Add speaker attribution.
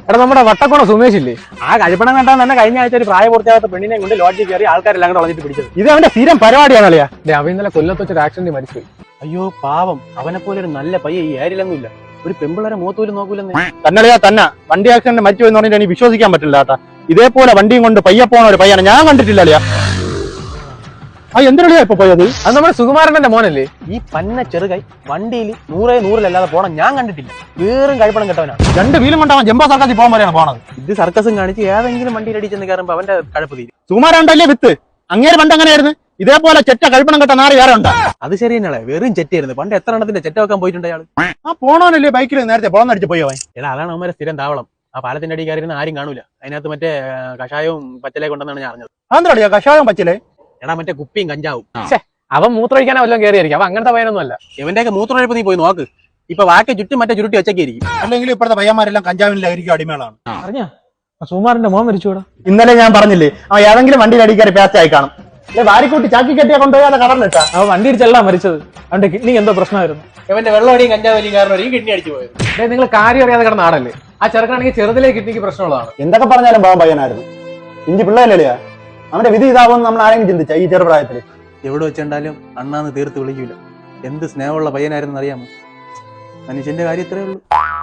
Speaker 1: എടാ നമ്മുടെ വട്ടക്കോണ സുമേഷ് ഇല്ലേ,
Speaker 2: ആ കഴിപ്പണം കണ്ടാൽ തന്നെ കഴിഞ്ഞ ആഴ്ച ഒരു പ്രായപൂർത്തിയാകാത്ത പെണ്ണിനെ കൊണ്ട് ലോഡ്ജിൽ കയറി ആൾക്കാരെല്ലാം കൂടെ വളഞ്ഞിട്ട് പിടിച്ചത്.
Speaker 1: ഇത് അവന്റെ സ്ഥിരം പരിപാടിയാണ് അളിയാ. അവൻ ഇന്നലെ കൊല്ലത്ത് വെച്ചൊരു ആക്സിഡന്റ് മരിച്ചുപോയി.
Speaker 2: അയ്യോ പാവം, അവനെ പോലെ ഒരു നല്ല പയ്യ ഈ ഏരിലൊന്നും ഇല്ല. ഒരു പെമ്പിള്ളേരെ മൂത്തോലും നോക്കൂലെന്ന്.
Speaker 1: തന്നളിയാ തന്നെ വണ്ടി ആക്സിഡന്റ് മരിച്ചു എന്ന് പറഞ്ഞിട്ട് എനിക്ക് വിശ്വസിക്കാൻ പറ്റില്ല കേട്ടാ. ഇതേപോലെ വണ്ടിയും കൊണ്ട് പയ്യ പോണ ഒരു പയ്യാണ് ഞാൻ കണ്ടിട്ടില്ല അളിയാ. ആ എന്തിനാ ഇപ്പൊ പോയത്?
Speaker 2: അത് നമ്മുടെ സുകുമാരന്റെ മോനല്ലേ. ഈ പന്ന ചെറുകൈ വണ്ടിയിൽ 100-100 പോണം ഞാൻ കണ്ടിട്ടില്ല. വേറും കഴിപ്പണം കെട്ടവനാ.
Speaker 1: 2 വീലും കൊണ്ടാവാൻ ജംബോ സർക്കസിൽ പോകാൻ വരെയാണ് പോണത്.
Speaker 2: ഇത് സർക്കസും കാണിച്ച് ഏതെങ്കിലും വണ്ടിയിൽ അടിച്ചെന്ന് കയറുമ്പോ അവന്റെ കഴപ്പ് തീരും.
Speaker 1: സുകുമാരണ്ടല്ലേ വിത്ത്. അങ്ങേര് പണ്ട് അങ്ങനെയായിരുന്നു. ഇതേപോലെ ചെറ്റ കഴിപ്പണം കെട്ട നാറി വേറെ ഉണ്ടാ.
Speaker 2: അത് ശരി തന്നെയാളെ, വെറും ചെറ്റായിരുന്നു. പണ്ട് എത്ര എണ്ണത്തിന്റെ ചെറ്റ വെക്കാൻ പോയിട്ടുണ്ട് അയാൾ.
Speaker 1: ആ പോണോനല്ലേ ബൈക്കിൽ നേരത്തെ പോളന്നടിച്ച് പോയോ?
Speaker 2: എടാ അതാണ് അവന്മാരെ സ്ഥിരം താവളം. ആ പാലത്തിന്റെ അടി കയറിയിരുന്ന ആരും കാണൂല. അതിനകത്ത് മറ്റേ കഷായവും പച്ചലേ കൊണ്ടെന്നാണ് ഞാൻ അറിഞ്ഞത്.
Speaker 1: അതെന്താ കഷായം പച്ചില്ലേ?
Speaker 2: എടാ മറ്റേ കുപ്പിയും കഞ്ചാവും.
Speaker 1: അവൻ മൂത്രമൊഴിക്കാനോ വല്ലതും കയറിയായിരിക്കും. അവൻ അങ്ങനത്തെ പയ്യനൊന്നും അല്ല.
Speaker 2: ഇവന്റെയൊക്കെ മൂത്രമൊഴിപ്പ് നീ പോയി നോക്ക്. ഇപ്പൊ വാക്ക് ചുറ്റും മറ്റേ ചുരുട്ടി വെച്ചേക്കായിരിക്കും.
Speaker 1: അല്ലെങ്കിൽ ഇപ്പോഴത്തെ പയ്യന്മാരെല്ലാം കഞ്ചാവിലായിരിക്കും അടിമകളാണ്.
Speaker 2: അറിഞ്ഞാ സുകുമാരന്റെ മോൻ മരിച്ചുകൂടാ.
Speaker 1: ഇന്നലെ ഞാൻ പറഞ്ഞില്ലേ അവൻ ഏതെങ്കിലും വണ്ടിയിൽ അടിക്കാറി പേസ്റ്റ് ആയി കാണും. വാരിക്കൂട്ടി ചാക്കി കെട്ടിയാ കൊണ്ടുപോയാൽ കടന്നിട്ടാ
Speaker 2: അവൻ വണ്ടി ഇടിച്ചല്ല മരിച്ചത്. അവന്റെ കിഡ്നി എന്തോ പ്രശ്നമായിരുന്നു. ഇവന്റെ വെള്ളമടിയും കഞ്ചാവലിയും കാരണം ഈ കിഡ്നി അടിച്ചു പോയത്.
Speaker 1: നിങ്ങൾ കാര്യം അറിയാതെ കിടന്ന ആടല്ലേ. ആ ചെറുക്കാണെങ്കിൽ ചെറുതിലെ കിഡ്നിക്ക് പ്രശ്നമുള്ളതാണ്.
Speaker 3: എന്തൊക്കെ പറഞ്ഞാലും പാവം പയ്യനായിരുന്നു. ഇഞ്ചി പിള്ളേരല്ലേ അവന്റെ വിധി ഇതാവുമെന്ന് നമ്മൾ ആരെങ്കിലും ചിന്തിച്ച ഈ ചെറുപ്രായത്തില്?
Speaker 2: എവിടെ വെച്ചുണ്ടാലും അണ്ണാന്ന് തീർത്ത് വിളിക്കൂല. എന്ത് സ്നേഹമുള്ള പയ്യനായിരുന്നു അറിയാമോ. മനുഷ്യന്റെ കാര്യം ഇത്രയേ ഉള്ളൂ.